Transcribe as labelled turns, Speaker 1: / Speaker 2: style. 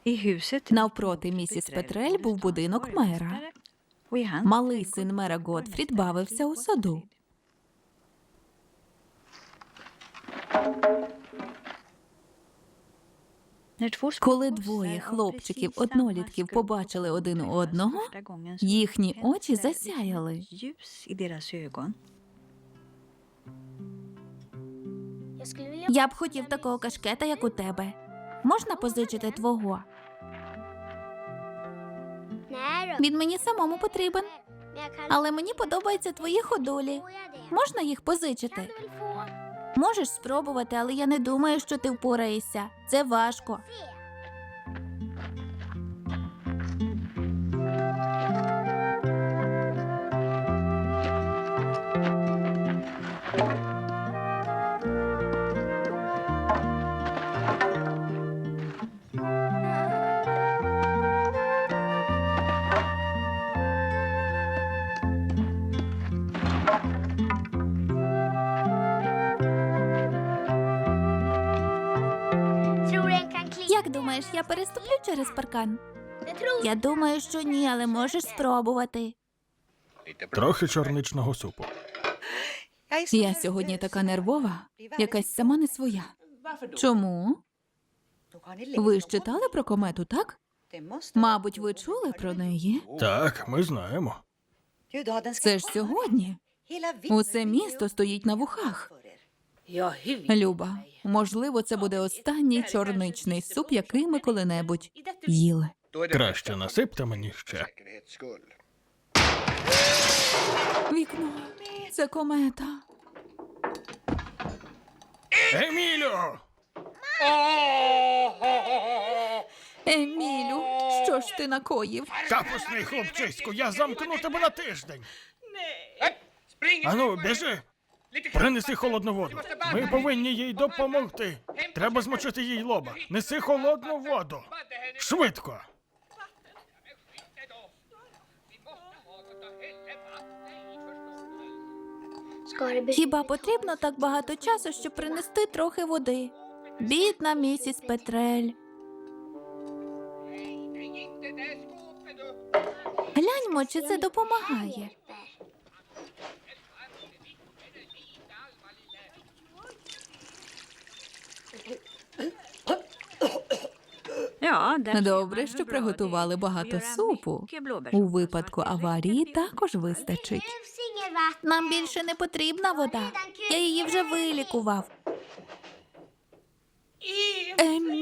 Speaker 1: Навпроти місіс Петрель був будинок мера. Малий син мера Готфрід бавився у саду. Коли двоє хлопчиків-однолітків побачили один одного, їхні очі засяяли. Я б хотів такого кашкета, як у тебе. Можна позичити твого? Він мені самому потрібен. Але мені подобаються твої ходулі. Можна їх позичити? Можеш спробувати, але я не думаю, що ти впораєшся. Це важко. Як думаєш, я переступлю через паркан? Я думаю, що ні, але можеш спробувати.
Speaker 2: Трохи чорничного супу.
Speaker 1: Я сьогодні така нервова, якась сама не своя. Чому? Ви ж читали про комету, так? Мабуть, ви чули про неї?
Speaker 2: Так, ми знаємо.
Speaker 1: Це ж сьогодні. Усе місто стоїть на вухах. Люба, можливо, це буде останній чорничний суп, який ми коли-небудь їли.
Speaker 2: Краще насипте мені ще.
Speaker 1: Вікно. Це комета.
Speaker 2: Емілю!
Speaker 1: Емілю, що ж ти накоїв?
Speaker 2: Капусний хлопчиську, я замкну тебе на тиждень. Ану, біжи. Принеси холодну воду. Ми повинні їй допомогти. Треба змочити їй лоба. Неси холодну воду. Швидко.
Speaker 1: Хіба потрібно так багато часу, щоб принести трохи води? Бідна місіс Петрель. Гляньмо, чи це допомагає. Добре, що приготували багато супу. У випадку аварії також вистачить. Нам більше не потрібна вода. Я її вже вилікував.